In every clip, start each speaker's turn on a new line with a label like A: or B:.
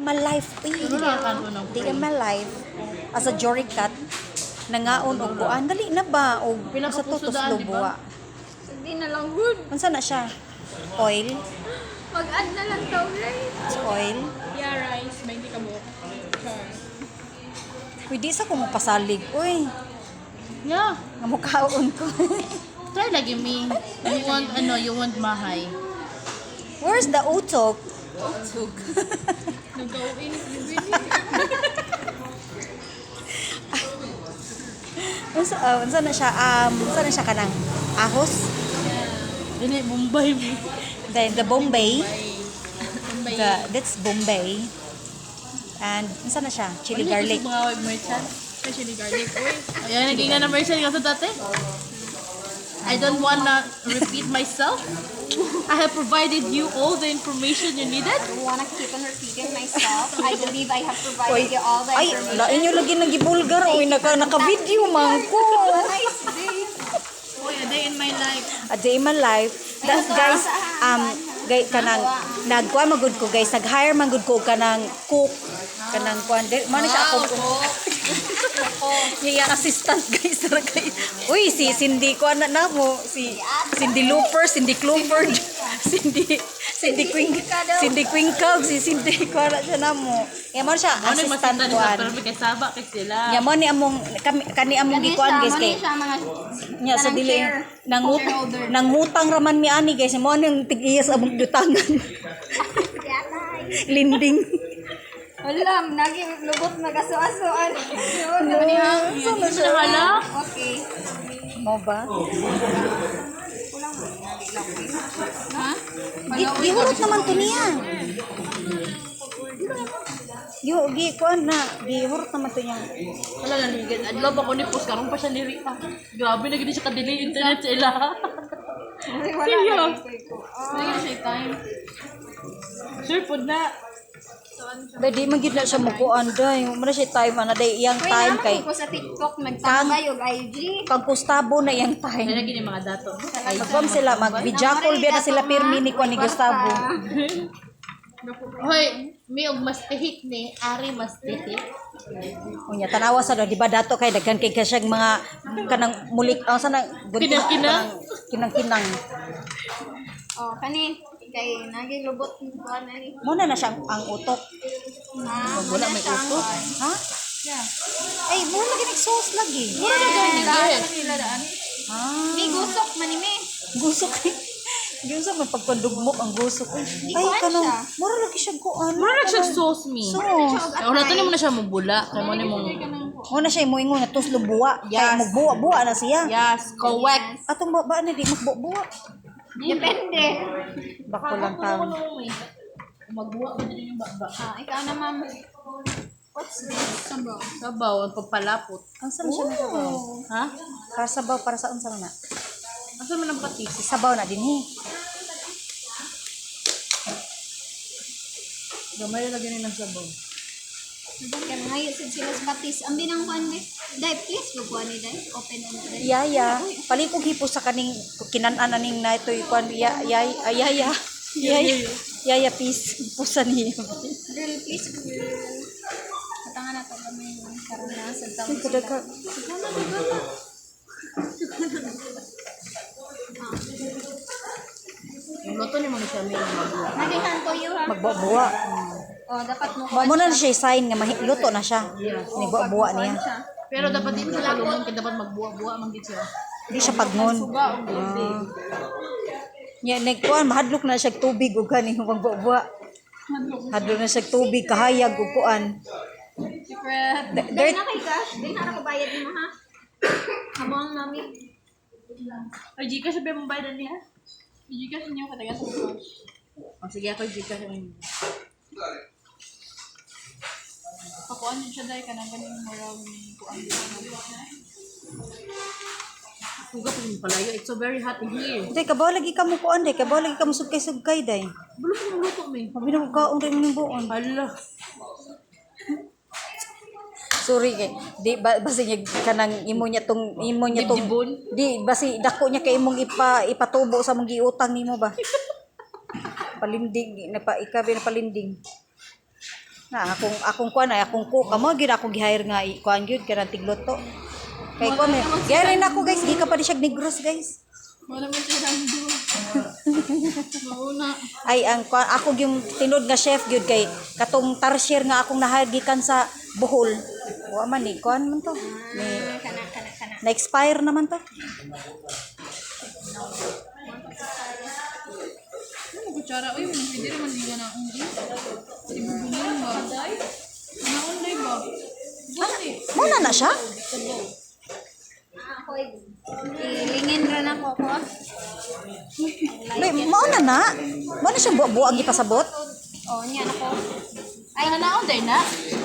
A: ma-life.
B: Ano na kan ko ng
A: Di ka ma-life. As a jury cut, nangaon og kuan dali na ba og sa tutos
B: Pinakapusudaan, di
A: lubuwa.
B: ba?
C: Hindi na lang good.
A: Unsa na siya? Oil?
C: Mag-add na lang daw, right?
A: Oil?
C: Yeah, rice. 20 ka mo. Char.
A: Pwede sa ko mo pasalig. Uy,
B: Yeah.
A: nga mo kaon ko.
B: Try lagi me. You want mahay.
A: Where's the utok?
C: Nag-go-in.
A: Unsa na siya? Unsa na siya kanang ahos?
B: Dili Bombay me.
A: Then the Bombay.
C: Bombay.
A: That's Bombay. And unsa na siya? Chili garlic.
B: Mga wag merchant.
C: Especially garlic. Uy.
B: Ayan, naging na merchant ka sa dati. I don't wanna repeat myself. I have provided you all the information you needed.
D: I don't want to keep on repeating myself. I believe I have provided
A: Oy,
D: you all the
A: ay,
D: information.
A: lain nyo lagi nagibulgar. Oy, naka-video man ko.
D: Nice day.
C: Uy, a day in my life.
A: A day in my life. That, guys, guys, kanang, nagkuha magud ko, guys. Nag-hire magud ko kanang cook. Kanang kuan. Mano siya ako. Yung assistant, guys. Uy, si Cindy, kuan na mo. Si Cindy Looper, Cindy Clooper, Cindy Quinkag, si Cindy, kuan na siya na mo. Yan mo siya,
B: Ano yung
A: assistant
B: masita
A: kuan.
B: nila, pero may kasaba kay sila.
A: Yan mo ni among, kani among gikuan, guys, kay.
D: siya mga
A: Nya sa
D: Kanang
A: dili
D: share. Shareholder.
A: nangutang raman mi ani guys mo nang tig-iyas among dutangan. Linding.
D: Alam, naging lubot mag-aso-asoan. Yun,
C: Ano niya?
B: Hindi mo nahala?
D: Okay.
A: Mo ba?
C: Ha?
A: Gihurot naman to niya. Gi kuan na, gihurot naman to niya.
B: Wala nga ligid. Adlaw ba ko ni post karon pa siya ni Rita. Grabe na gid siya ka-delay internet sa ila. Wala.
C: Lagi siya time.
B: Sure po na.
A: Dadi man gid na siya mukuan day. Mo na siya time ana day iyang
D: Uy,
A: time
D: naman
A: kay
D: ko sa TikTok, nagtambay og IG.
A: kag Gustavo na iyang
B: Kaya
A: time.
B: lagi ni mga dato.
A: Magpam sila mag-video call biya na sila pirmi ni kuan ni Gustavo.
B: Hoy, may og mas tihik ni Ari mas tihik.
A: Unya tanawa sa do di ba dato kay daghan kay kasyang mga kanang mulik sa nang
B: Kinang-kinang?
A: kinang-kinang.
D: Oh, kani kay naging lubot ko ani.
A: Mo na siya ang utok.
B: Wala may uto.
A: Ha?
C: Yeah.
A: Ay, mo lagi nag-sauce lagi.
B: Mura na gani
C: Daan nila daan.
A: Ah,
D: May gusok man ni me.
A: gusok. Diyon sa may pagpandugmok ang gusok. Ay,
D: kuan
A: kanang
D: siya.
A: mura lagi siya kuan.
B: Mura na siya sauce me.
A: Sauce.
B: Wala to mo na siya mubula. Kaya mo ni mong
A: Mo na siya moingon na tuslo buwa. Kay
B: Yes.
A: magbuwa-buwa na siya.
B: yes, correct.
A: Atong baba na di magbuwa.
D: Depende.
A: Bako lang taon.
B: Magbuwa ba din yung baba?
D: Ah, ikaw na ma'am. What's this?
C: Sabaw.
B: Sabaw, ang pagpalapot.
A: Ang saan siya nagawa?
B: Ha?
A: Para sabaw, para sa unsa na?
B: Asa man ang patis?
A: Sabaw na din eh.
B: Gamay lagi ni ng sabaw.
D: Kaya ngayon sila sa patis. Ang binang kuan be. Dai, please magkuan ni dai. Open na dai.
A: Yaya, palikog hipo sa kaning kinan-an aning na ito ikuan yaya. Yaya peace pusa niya.
D: Girl, please. Katangan na to kami karon na sa taon.
A: Kadaka.
B: Yung luto ni mga siya may magbuwa.
D: Naging hanto you ha.
A: Magbuwa.
D: Oh, dapat mo
A: Mo na siya sign nga luto na siya. Ni buwa niya.
D: siya.
B: Pero dapat din sila lumon kaya dapat magbuwa-buwa man gid siya.
A: Di siya pagnon.
B: Suga og tubig.
A: Nya nagkuan mahadlok na siya tubig ug kani magbuwa. Hadlok na siya tubig kahayag ug kuan.
D: Secret.
A: Dirt.
D: Dai na kay cash. Dai na ako bayad mo ha. Habang mami.
B: Ay, Gcash sabi mong bayad niya?
C: Gcash niyo kataga sa cash.
B: O sige, ako Gcash mo.
C: Pakuan din siya dahil ka na ganing moral ni kuan.
B: Suga pa yung palayo. It's so very hot in here.
A: Day kabaw lagi ka mo kuan day, kabaw lagi ka mo sugkay-sugkay day.
B: Bulo pa yung luto, may.
A: Mabi na kaon rin ning buon.
B: Hala.
A: Sorry kay di basi niya kanang imo niya tong
B: Dibdibon?
A: di basi dako niya kay imong ipatubo sa mong giutang nimo ba. Palinding na pa ikabi na palinding. Na akong kuan ay akong cook amo gyud akong gi-hire nga kuan gyud kanang tigluto. Kay ko may gari na ako guys, di ka pa di siya negros guys.
C: Wala mo siya rando. Mauna.
A: Ay ang ako yung tinod nga chef gyud kay katong tarsier nga akong na-hire gikan sa Bohol. Wa man ni kuan man to. Ni
D: Kana.
A: na-expire naman to.
C: Ano kutsara? Uy, hindi naman liga na ang ibubulin ba? Naunday ba? Buti.
A: Muna na siya?
D: Ako ilingin ra na ko.
A: May mauna na. Mauna siya buang gipasabot.
D: Oh, niya ako.
B: Ay, naunday na?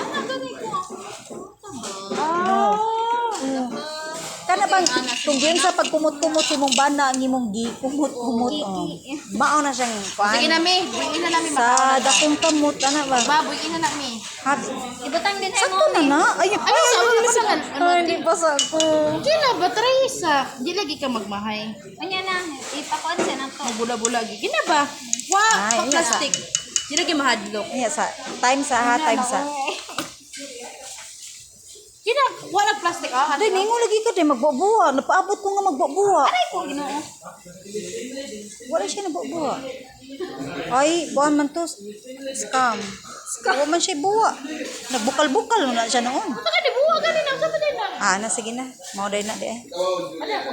A: Kana bang kung diyan sa pagkumot-kumot imong bana ang imong gikumot-kumot. Mao na siyang kuan.
B: Sige na, mi. Buyin na namin.
A: Sa dakong kamot ana ba?
B: Ba, buyin na namin.
D: Ibutang din
A: Sakto
D: mo.
A: na na. Ay,
B: Ay, sa una pa naman.
A: Hindi pa sa ko.
B: Di na ba, Teresa? Di lagi ka magmahay.
D: Anya na, ipakuan siya na to.
B: Magbula-bula. Gina ba? Wow,
A: Ay,
B: plastic. Di lagi mahadlok.
A: Iya sa time sa ha time sa.
B: Gina, wala plastic. Ah,
A: Day ningo lagi ka day magbubuha. Napaabot ko nga magbubuha.
D: Ay ko Ginoo.
A: Wala siya nagbubuha. Ay, buwan man to. Scam. Scam man siya buha. Nagbukal-bukal na siya noon.
B: Saka di buwa ganin ang sa na.
A: Ah, na sige na. Mao day na di.